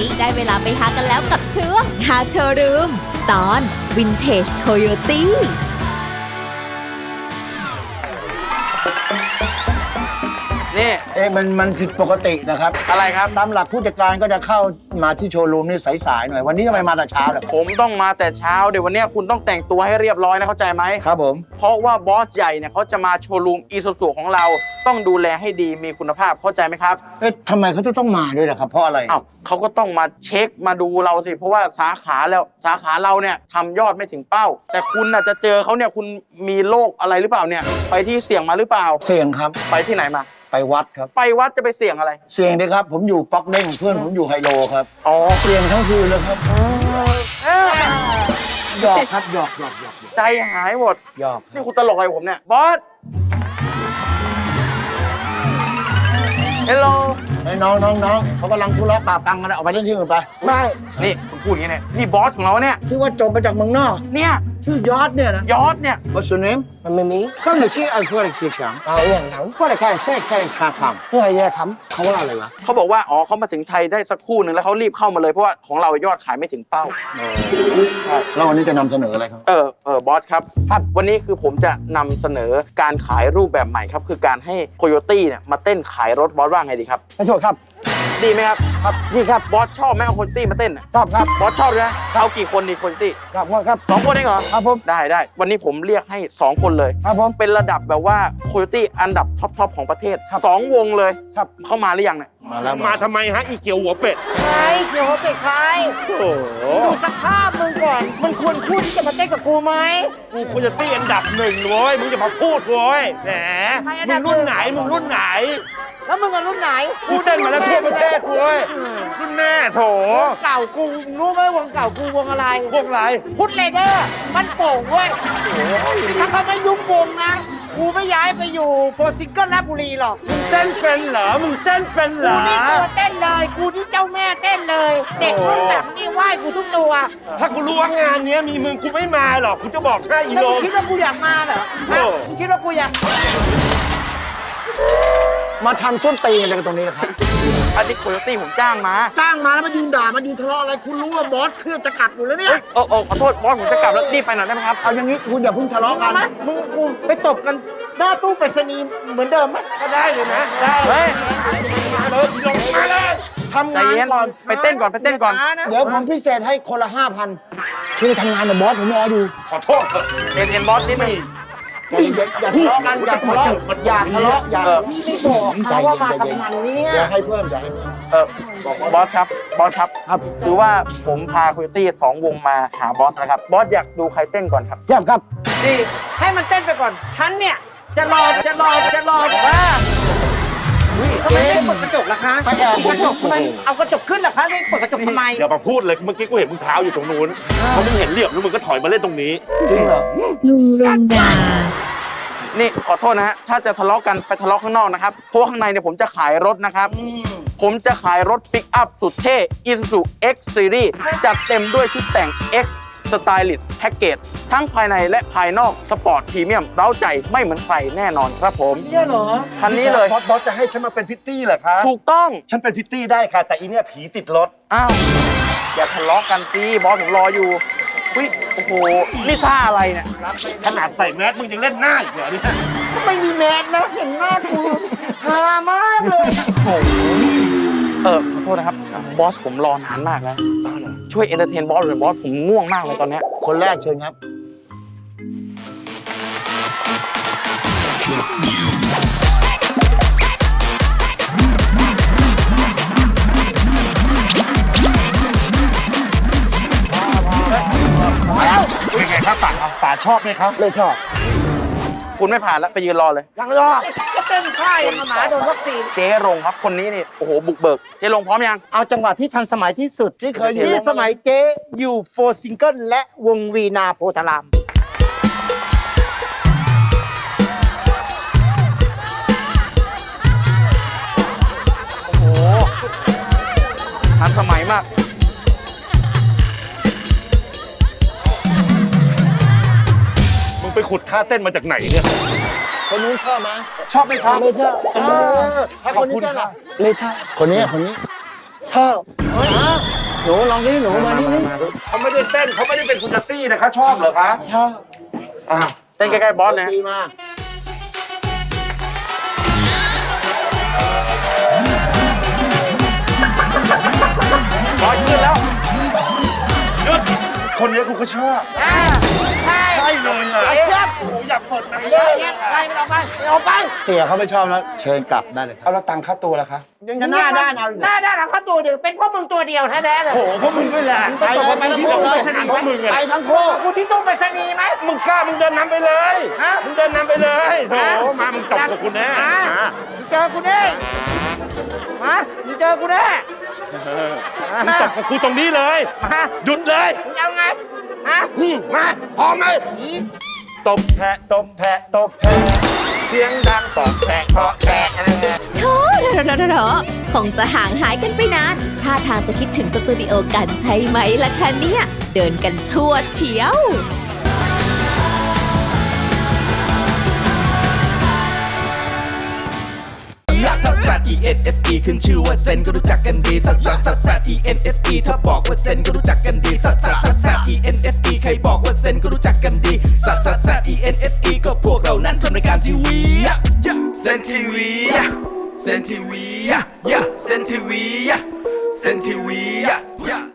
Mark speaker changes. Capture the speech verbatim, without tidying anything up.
Speaker 1: นี้ได้เวลาไปหากันแล้วกับช่วงหาโชว์รูมตอนวินเทจโคโยตี้
Speaker 2: นี่
Speaker 3: เอ๊ะมันมันผิดปกตินะครับ
Speaker 2: อะไรครับ
Speaker 3: ตามหลักผู้จัดการก็จะเข้ามาที่โชว์รูมนี่สายๆหน่อยวันนี้ทำไมมาแต่เช้าล่ะ
Speaker 2: ผมต้องมาแต่เช้าเดี๋ยววันนี้คุณต้องแต่งตัวให้เรียบร้อยนะเข้าใจไหม
Speaker 3: ครับผม
Speaker 2: เพราะว่าบอสใหญ่เนี่ยเขาจะมาโชว์รูมอีซูซูของเราต้องดูแลให้ดีมีคุณภาพเข้าใจไหมครับ
Speaker 3: เอ๊ะทำไมเขาจะต้องมาด้วยล่ะครับเพราะอะไร
Speaker 2: อ้าวเขาก็ต้องมาเช็คมาดูเราสิเพราะว่าสาขาแล้วสาขาเราเนี่ยทำยอดไม่ถึงเป้าแต่คุณน่ะจะเจอเขาเนี่ยคุณมีโรคอะไรหรือเปล่าเนี่ยไปที่เสี่ยงมาหรือเปล่า
Speaker 3: เสี่ยงครับ
Speaker 2: ไปที่ไหนมา
Speaker 3: ไปวัดครับ
Speaker 2: ไปวัดจะไปเสี่ยงอะไร
Speaker 3: เสี่ยงดิครับผมอยู่ป๊อกเด้งเพื่อนผมอยู่ไฮโลครับ
Speaker 2: อ๋อ
Speaker 3: เสี่ยงทั้งคืนเลยครับหยอกครับหยอกหยอกหยอก
Speaker 2: ใจหายหมด
Speaker 3: หยอก
Speaker 2: นี่คุณตลกอะไรผมเนี่ยบอสเฮลโล
Speaker 3: ไอ้น้องน้องน้องเขากำลังทุเรศปาปังกันออกไปเล่นที่อื่นไป
Speaker 2: ไม่นี่คุณพูดอย่างนี้เนี่ยนี่บอสของเราเนี่ย
Speaker 3: ชื่อว่าจบมาจากเมืองนอก
Speaker 2: เนี่ย
Speaker 3: ชื่อยอดเนี่ยนะ
Speaker 2: ยอดเนี่ย
Speaker 3: What's your name
Speaker 4: มันไม่มี
Speaker 3: ข้างในชื่อไอ้พวกเด็กเสียงชัง
Speaker 4: เอาอย่างนั้น
Speaker 3: พวกเด็กแค่แค่แค่ชาคำ
Speaker 4: เพื่อจะท
Speaker 3: ำเขาว่าอะไรวะ
Speaker 2: เขาบอกว่าอ๋อเขามาถึงไทยได้สักครู่หนึ่งแล้วเขารีบเข้ามาเลยเพราะว่าของเรายอดขายไม่ถึงเป้า
Speaker 3: แล้ววันนี้จะนำเสนออะไรครับ
Speaker 2: เออเออบอสครับครับวันนี้คือผมจะนำเสนอการขายรูปแบบใหม่ครับคือการให้โคโยตี้เนี่ยมาเต้นขายรถบอสว่าไงดีครับ
Speaker 4: ไม่ถูกครับ
Speaker 2: ดีไหมครับ
Speaker 4: ครับดีครับ
Speaker 2: บอสชอบไหมเอาโคโยตี้มาเต้น
Speaker 4: ชอบครับ
Speaker 2: บอสชอบเลยนะเอากี่คนดีโคโยตี้
Speaker 4: ครับครับ
Speaker 2: สองคนเองเหรอ
Speaker 4: ครับผม
Speaker 2: ได้ได้วันนี้ผมเรียกให้สองคนเลย
Speaker 4: ครับผม
Speaker 2: เป็นระดับแบบว่าโคโยตี้อันดับท็อปทอปของประเทศสองวงเลย
Speaker 4: ครับ
Speaker 2: เข้ามาหรือยังเนี่ย
Speaker 3: มาแล้ว
Speaker 5: มาทำไมฮะอีเขียวหัวเป็ด
Speaker 4: ใครเขียวหัวเป็ดใคร
Speaker 5: โอ้โห
Speaker 4: ดูสภาพมึงก่อนมึงควรพูดที่จะมาเต้นกับกูไหม
Speaker 5: กูโคโยตี้อันดับหนึ่งเว้ยมึงจะมาพูดเว้ยแหมมึงรุ่นไหนมึงรุ่นไหน
Speaker 4: แล้วมึงรุ่นไหน
Speaker 5: กูเต้นมาแล้วทั่วประเทศเว้ยรุ่นแม่โถ
Speaker 4: วงเก่ากูรู้ไหมวงเก่ากูวงอะไร
Speaker 5: วงอะไร
Speaker 4: พุทธเลเดอร์มันโป่งเว้ยถ้าเขาไม่ยุ่งวงนะกูไม่ย้ายไปอยู่โฟร์ซิงเกิลราชบุรีหรอก
Speaker 5: มึงเต้นเป็นเหรอมึงเต้นเป็นเหรอ
Speaker 4: กูนี่ตัวเต้นเลยกูนี่เจ้าแม่เต้นเลยเด็กรุ่นแบบนี้ไหว้กูทุกตัว
Speaker 5: ถ้ากูรู้ว่างานนี้มีมึงกูไม่มาหรอกกูจะบอกแค่อีโล
Speaker 4: คิดว่ากูอยากมาเหรอคิดว่ากูอยาก
Speaker 3: มาทำส้นตีอะไรกันตรงนี้นะครับ
Speaker 2: อันนี้โคโยตี้ผมจ้างมา
Speaker 3: จ้างมาแล้วมายืนด่ามายืนทะเลาะอะไรคุณรู้ว่าบอสเครื่องจะกัดอยู่แล้วเนี่ย
Speaker 2: โอ้โอ้ขอโทษบอสผมจะกลับแล้วรีบไปหน่อยได้ไหมครับ
Speaker 3: เอาอย่างนี้คุณอย่าเพิ่งทะเลาะกัน
Speaker 4: มึงกูไปตบกันหน้าตู้ไปรษณีย์เหมือนเดิมไหม
Speaker 5: ก็ได้เลยนะได้
Speaker 2: เฮ้ย
Speaker 5: มาเลยลงมาเลย
Speaker 3: ทำงานก่อน
Speaker 2: ไปเต้นก่อนไปเต้นก่อน
Speaker 3: เดี๋ยวผมพิเศษให้คนละห้าพันช่วยทำงานกับบอสผมรออยู่
Speaker 5: ขอโทษเถอะ
Speaker 2: เอ็นเอ็นบอสนิดนึง
Speaker 3: อย่าอย่าทะเลาะกันอย่าทะเลาะอย่าทะเลาะอย่า
Speaker 4: พี่ไม่บอกเขาว่ามาทำงานเนี่ย
Speaker 3: อย่าให้เพิ่มอย่าให้
Speaker 2: เออบอสครับบอสครับครับคือว่าผมพาโคโยตี้สองวงมาหาบอสนะครับบอสอยากดูใครเต้นก่อนครับ
Speaker 4: อยากครับดีให้มันเต้นไปก่อนฉันเนี่ยจะรอจะรอจะรอว่าทำไมไม่เปิดกระจกล่ะคะกระจกทำไมเอากระจกขึ้นล่ะคะไม่เปิดกระจกทำไม
Speaker 5: อย่ามาพูดเลยเมื่อกี้กูเห็นมึงเท้าอยู่ตรงนู้นพอมึงเห็นเหลี่ยมแล้วมึงก็ถอยมาเล่นตรงนี้
Speaker 3: จริงเหรอ
Speaker 1: ลุงรงดา
Speaker 2: นี่ขอโทษนะฮะถ้าจะทะเลาะกันไปทะเลาะข้างนอกนะครับเพราะข้างในเนี่ยผมจะขายรถนะครับผมจะขายรถปิกอัพสุดเท่ Isuzu X Series จัดเต็มด้วยชุดแต่ง X Stylist Package ทั้งภายในและภายนอกสปอร์ตพรีเมียมเร้าใจไม่เหมือนใครแน่นอนครับผม
Speaker 4: เนี่ยเหรอ
Speaker 2: คันนี้เลย
Speaker 5: บอสบอสจะให้ฉันมาเป็นพิตตี้เหรอคะ
Speaker 2: ถูกต้อง
Speaker 5: ฉันเป็นพิตตี้ได้ค่ะแต่อีเนี่ยผีติดรถ
Speaker 2: อ้าวอย่าทะเลาะกันสิบอสผมรออยู่วิโอ้โหนี่ท่าอะไรเนี่ย
Speaker 5: ขนาดใส่แมสมึงยังเล่นหน้าอีกเหรอเนี่ย
Speaker 4: ไม่มีแมสนะเห็นหน้ากูฮามากเลย
Speaker 2: เออขอโทษนะครับบอสผมรอนานมากแล้วช่วยเอนเตอร์เทนบอสเลยบอสผมง่วงมากเลยตอนนี้
Speaker 3: คนแรกเชิญครับ
Speaker 5: เป็นไงครับป่าป่าชอบไหมครับ
Speaker 4: ไม่ชอบ
Speaker 2: คุณไม่ผ่านแล้วไปยืนรอเลย
Speaker 4: ยังรอเต้นค่ายมาหมาโดนวัคซีน
Speaker 2: เจ๊รงครับคนนี้นี่โอ้โหบุกเบิกเจ๊รงพร้อมยัง
Speaker 4: เอาจังหวะที่ทันสมัยที่สุด
Speaker 3: ที่เคยอยู่
Speaker 4: ที่สมัยเจ๊อยู่โฟร์ซิงเกิลและวงวีนาโพธาราม
Speaker 2: โอ้โหทันสมัยมาก
Speaker 5: ไปขุดท่าเต้นมาจากไหนเนี่ย
Speaker 3: คนนู้นชอบไหม
Speaker 5: ชอบไหมครับ
Speaker 4: ไม่ชอบ
Speaker 3: ถ้าคนนี้ก็ล่ะ
Speaker 4: ไม่ชอบ
Speaker 3: คนนี้คนนี้ชอบฮะหนูลองนี่หนูมานี่นี่
Speaker 5: เขาไม่ได้เต้นเขาไม่ได้เป็นคุณจัตตี้นะคะชอบเหรอคะ
Speaker 3: ชอบ
Speaker 2: อ่ะเต้นใกล้ๆบอสเลย
Speaker 3: ดีมาก
Speaker 2: บอสขึ้นแล้ว
Speaker 5: หยุดคนนี้กูก็ชอบ
Speaker 4: อ่าใช่
Speaker 5: ใช่เลยอ่ะ
Speaker 4: เจี๊ยบ
Speaker 5: โอ้โหอยากเปิดหนัง
Speaker 4: เจี๊ยบเจี๊ยบไล่มันออกไปออกไป
Speaker 3: เสียเขาไม่ชอบแล้ว เชิญกลับได้เลยครับ
Speaker 5: เอาแล้วตังค่าตัวล่ะคะ
Speaker 3: ยังจะหน้าด้านเอาอีก
Speaker 4: ห
Speaker 3: เหรอ
Speaker 4: น้าด้านเอาเข้าตัวเดียวเป็นพวกมึงตัวเดียวแท้ๆเลย
Speaker 5: โอ้โหพวกมึงด้วยแหละ
Speaker 3: ไปเลยไปทั้งคู่เลย
Speaker 5: พวกมึง
Speaker 3: ไป
Speaker 5: อ่ะ
Speaker 3: ทั้งคู่
Speaker 4: กูที่ตู้ไปรษณีย์ไหม
Speaker 5: มึงกล้ามึงเดินนำไปเลย
Speaker 4: ฮะ
Speaker 5: มึงเดินนำไปเลยโอ้โหมามึงตบกับกูแน่
Speaker 4: มา
Speaker 5: มา
Speaker 4: มึงเจอกูแน่มามึงเจอกูแน่
Speaker 5: มึงตบกับกูตรงนี้เลย
Speaker 4: มา
Speaker 5: หยุดเลย
Speaker 4: มึงเอาไงฮะ
Speaker 5: อืมมาพร้อมไหมตบแพะตบแพะตบแพะเสียงดังตบแพะเคาะแพะ
Speaker 1: โธ่เถอะคงจะห่างหายกันไปนานท่าทางจะคิดถึงสตูดิโอกันใช่ไหมล่ะคะเนี่ย เดินกันทั่วเชียว
Speaker 6: ซักซักซัก E N S E ขึ้นชื่อว่าเซนก็รู้จักกันดีซักซักซักซัก E N S E ถ้าบอกว่าเซนก็รู้จักกันดีซักซักซักซัก E N S E ใครบอกว่าเซนก็รู้จักกันดีซักซักซัก E N S E ก็พวกเรานั้นทำรายการทีวีเซนทีวีเซนทีวีเซนทีวีเซนทีวี